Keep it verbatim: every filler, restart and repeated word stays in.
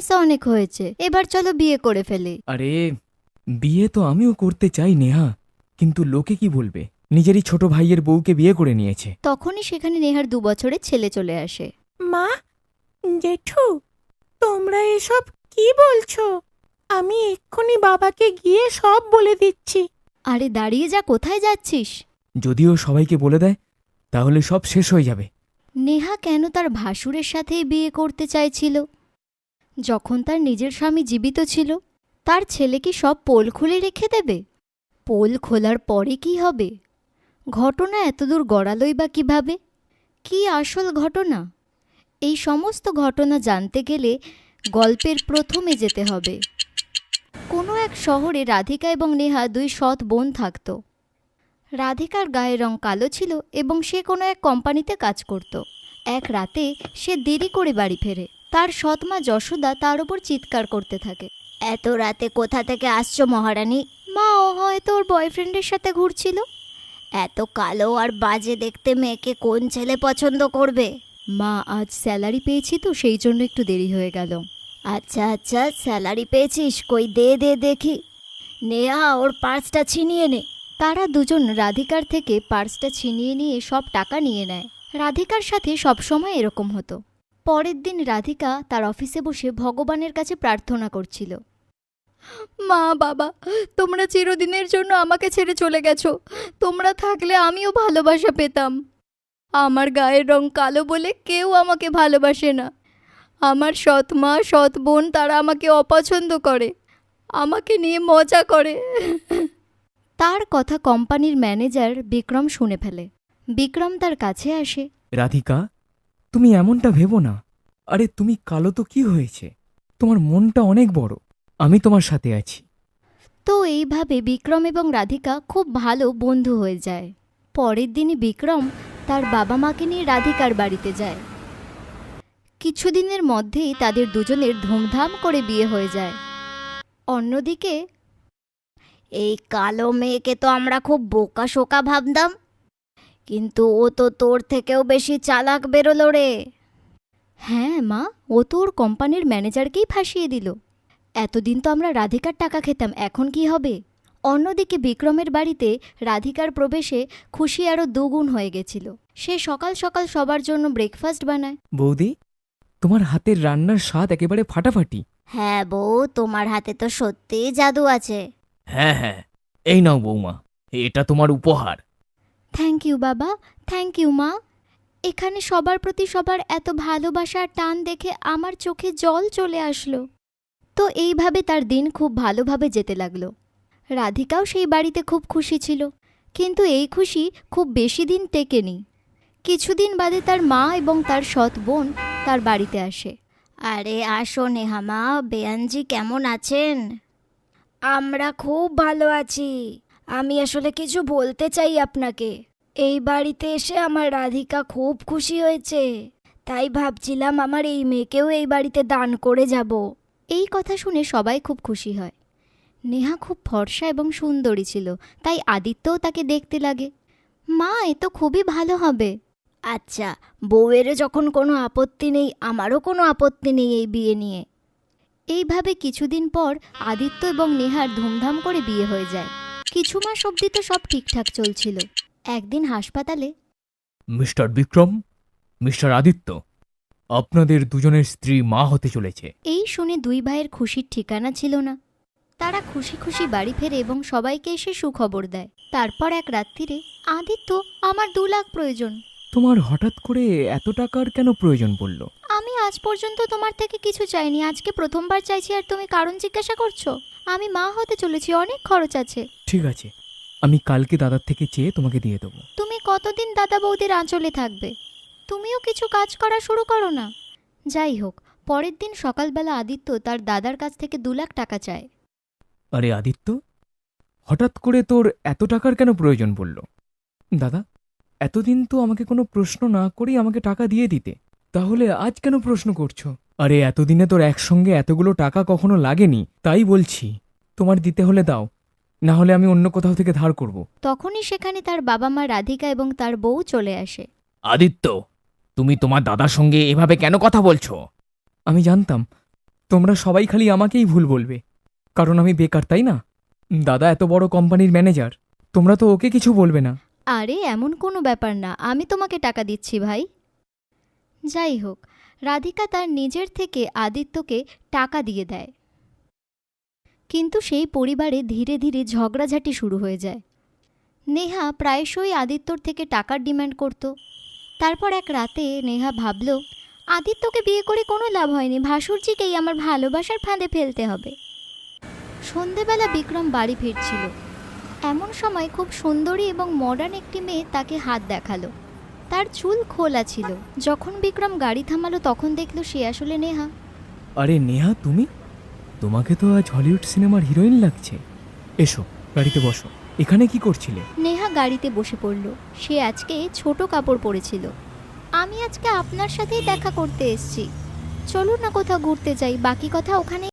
ভালোবাসা অনেক হয়েছে, এবার চলো বিয়ে করে ফেলি। আরে বিয়ে তো আমিও করতে চাই নেহা, কিন্তু লোকে কি বলবে? নিজেরই ছোট ভাইয়ের বউকে বিয়ে করে নিয়েছে। তখনই সেখানে নেহার দু বছরের ছেলে চলে আসে। মা, জেঠু, তোমরা এসব কি বলছো? আমি এক্ষুনি বাবাকে গিয়ে সব বলে দিচ্ছি। আরে দাঁড়িয়ে যা, কোথায় যাচ্ছিস? যদিও সবাইকে বলে দেয় তাহলে সব শেষ হয়ে যাবে। নেহা কেন তার ভাসুরের সাথেই বিয়ে করতে চাইছিল যখন তার নিজের স্বামী জীবিত ছিল? তার ছেলে কি সব পোল খুলে রেখে দেবে? পোল খোলার পরে কি হবে? ঘটনা এতদূর গড়ালই বা কিভাবে? কি আসল ঘটনা? এই সমস্ত ঘটনা জানতে গেলে গল্পের প্রথমে যেতে হবে। কোনো এক শহরে রাধিকা এবং নেহা দুই সৎ বোন থাকত। রাধিকার গায়ের রং কালো ছিল এবং সে কোনো এক কোম্পানিতে কাজ করত। এক রাতে সে দেরি করে বাড়ি ফেরে। তার সৎমা যশোদা তার ওপর চিৎকার করতে থাকে, এত রাতে কোথা থেকে আসছো মহারানী? মা, ও হয়তো ওর বয়ফ্রেন্ডের সাথে ঘুরছিল। এত কালো আর বাজে দেখতে মেয়েকে কোন ছেলে পছন্দ করবে? মা, আজ স্যালারি পেয়েছি তো সেই জন্য একটু দেরি হয়ে গেল। আচ্ছা আচ্ছা, স্যালারি পেয়েছিস? কই দে দে দেখি। নেহা, ওর পার্সটা ছিনিয়ে নে। তারা দুজন রাধিকার থেকে পার্সটা ছিনিয়ে নিয়ে সব টাকা নিয়ে নেয়। রাধিকার সাথে সবসময় এরকম হতো। পরের দিন রাধিকা তার অফিসে বসে ভগবানের কাছে প্রার্থনা করছিল, মা বাবা, তোমরা চিরদিনের জন্য আমাকে ছেড়ে চলে গেছো। তোমরা থাকলে আমিও ভালোবাসা পেতাম। আমার গায়ের রং কালো বলে কেউ আমাকে ভালোবাসে না। আমার সৎ মা, সৎ বোন, তারা আমাকে অপছন্দ করে, আমাকে নিয়ে মজা করে। তার কথা কোম্পানির ম্যানেজার বিক্রম শুনে ফেলে। বিক্রম তার কাছে আসে। রাধিকা, তুমি এমনটা ভেবো না। আরে তুমি কালো তো কি হয়েছে, তোমার মনটা অনেক বড়, আমি তোমার সাথে আছি। তো এইভাবে বিক্রম এবং রাধিকা খুব ভালো বন্ধু হয়ে যায়। পরের দিনই বিক্রম তার বাবা মাকে নিয়ে রাধিকার বাড়িতে যায়। কিছুদিনের মধ্যেই তাদের দুজনের ধুমধাম করে বিয়ে হয়ে যায়। অন্যদিকে, এই কালো মেয়েকে তো আমরা খুব বোকা শোকা ভাবতাম, কিন্তু ও তো তোর থেকেও বেশি চালাক বেরোলো রে। হ্যাঁ মা, ও তো ওর কোম্পানির ম্যানেজারকেই ফাঁসিয়ে দিল। এতদিন তো আমরা রাধিকার টাকা খেতাম, এখন কি হবে? অন্যদিকে বিক্রমের বাড়িতে রাধিকার প্রবেশে খুশি আরও দুগুণ হয়ে গেছিল। সে সকাল সকাল সবার জন্য ব্রেকফাস্ট বানায়। বৌদি, তোমার হাতের রান্নার স্বাদ একেবারে ফাটাফাটি। হ্যাঁ বউ, তোমার হাতে তো সত্যিই জাদু আছে। হ্যাঁ হ্যাঁ, এই নাও বৌমা, এটা তোমার উপহার। থ্যাংক ইউ বাবা, থ্যাংক ইউ মা। এখানে সবার প্রতি সবার এত ভালোবাসার টান দেখে আমার চোখে জল চলে আসলো। তো এইভাবে তার দিন খুব ভালোভাবে যেতে লাগলো। রাধিকাও সেই বাড়িতে খুব খুশি ছিল, কিন্তু এই খুশি খুব বেশি দিন টেকেনি। কিছুদিন বাদে তার মা এবং তার সৎ বোন তার বাড়িতে আসে। আরে আসো নেহা মা, বেয়ানজি কেমন আছেন? আমরা খুব ভালো আছি। আমি আসলে কিছু বলতে চাই আপনাকে। এই বাড়িতে এসে আমার রাধিকা খুব খুশি হয়েছে, তাই ভাবছিলাম আমার এই মেয়েকেও এই বাড়িতে দান করে যাব। এই কথা শুনে সবাই খুব খুশি হয়। নেহা খুব ফর্সা এবং সুন্দরী ছিল, তাই আদিত্যও তাকে দেখতে লাগে। মা, এ তো খুবই ভালো হবে। আচ্ছা, বউয়েরও যখন কোনো আপত্তি নেই, আমারও কোনো আপত্তি নেই এই বিয়ে নিয়ে। এইভাবে কিছুদিন পর আদিত্য এবং নেহার ধুমধাম করে বিয়ে হয়ে যায়। কিছু মাস অবধি তো সব ঠিকঠাক চলছিল। একদিন হাসপাতালে, মিস্টার বিক্রম, মিস্টার আদিত্য, আপনাদের দুজনের স্ত্রী মা হতে চলেছে। এই শুনে দুই ভাইয়ের খুশির ঠিকানা ছিল না। তারা খুশি খুশি বাড়ি ফেরে এবং সবাইকে এসে সুখবর দেয়। তারপর এক রাত্রিরে, আদিত্য, আমার দু লাখ প্রয়োজন। তোমার হঠাৎ করে এত টাকার কেন প্রয়োজন পড়ল? আমি আজ পর্যন্ত তোমার থেকে কিছু চাইনি, আজকে প্রথমবার চাইছি আর তুমি কারণ জিজ্ঞাসা করছো? আমি মা হতে চলেছি, অনেক খরচ আছে। ঠিক আছে, আমি কালকে দাদার থেকে চেয়ে তোমাকে দিয়ে দেবো। তুমি কতদিন দাদা বৌদির আঁচলে থাকবে? তুমিও কিছু কাজ করা শুরু করো না। যাই হোক, পরের দিন সকালবেলা আদিত্য তার দাদার কাছ থেকে দু লাখ টাকা চায়। আরে আদিত্য, হঠাৎ করে তোর এত টাকার কেন প্রয়োজন পড়ল? দাদা, এতদিন তো আমাকে কোনো প্রশ্ন না করেই আমাকে টাকা দিয়ে দিতে, তাহলে আজ কেন প্রশ্ন করছো? আরে এতদিনে তোর একসঙ্গে এতগুলো টাকা কখনো লাগেনি, তাই বলছি। তোমার দিতে হলে দাও, না হলে আমি অন্য কোথাও থেকে ধার করব। তখনই সেখানে তার বাবা মা রাধিকা এবং তার বউ চলে আসে। আদিত্য, তুমি তোমার দাদার সঙ্গে এভাবে কেন কথা বলছো? আমি জানতাম তোমরা সবাই খালি আমাকেই ভুল বলবে, কারণ আমি বেকার, তাই না? দাদা এত বড় কোম্পানির ম্যানেজার, তোমরা তো ওকে কিছু বলবে না। আরে এমন কোনো ব্যাপার না, আমি তোমাকে টাকা দিচ্ছি ভাই। যাই হোক, রাধিকা তার নিজের থেকে আদিত্যকে টাকা দিয়ে দেয়। কিন্তু সেই পরিবারে ধীরে ধীরে ঝগড়াঝাটি শুরু হয়ে যায়। নেহা প্রায়শই আদিত্যর থেকে টাকার ডিমান্ড করত। তারপর এক রাতে নেহা ভাবল, আদিত্যকে বিয়ে করে কোনো লাভ হয়নি, ভাসুরজিকেই আমার ভালোবাসার ফাঁদে ফেলতে হবে। সন্ধেবেলা বিক্রম বাড়ি ফিরছিল। এমন সময় খুব সুন্দরী এবং মডার্ন একটি মেয়ে তাকে হাত দেখালো। তার চুল খোলা ছিল। যখন বিক্রম গাড়ি থামালো তখন দেখল সে আসলে নেহা। আরে নেহা, তুমি? তোমাকে তো আজ হলিউড সিনেমার হিরোইন লাগছে। এসো, গাড়িতে বসো। এখানে কি করছিলে? নেহা গাড়িতে বসে পড়ল। সে আজকে ছোট কাপড় পরেছিল। আমি আজকে আপনার সাথেই দেখা করতে এসেছি, চলুন না কোথাও ঘুরতে যাই, বাকি কথা ওখানে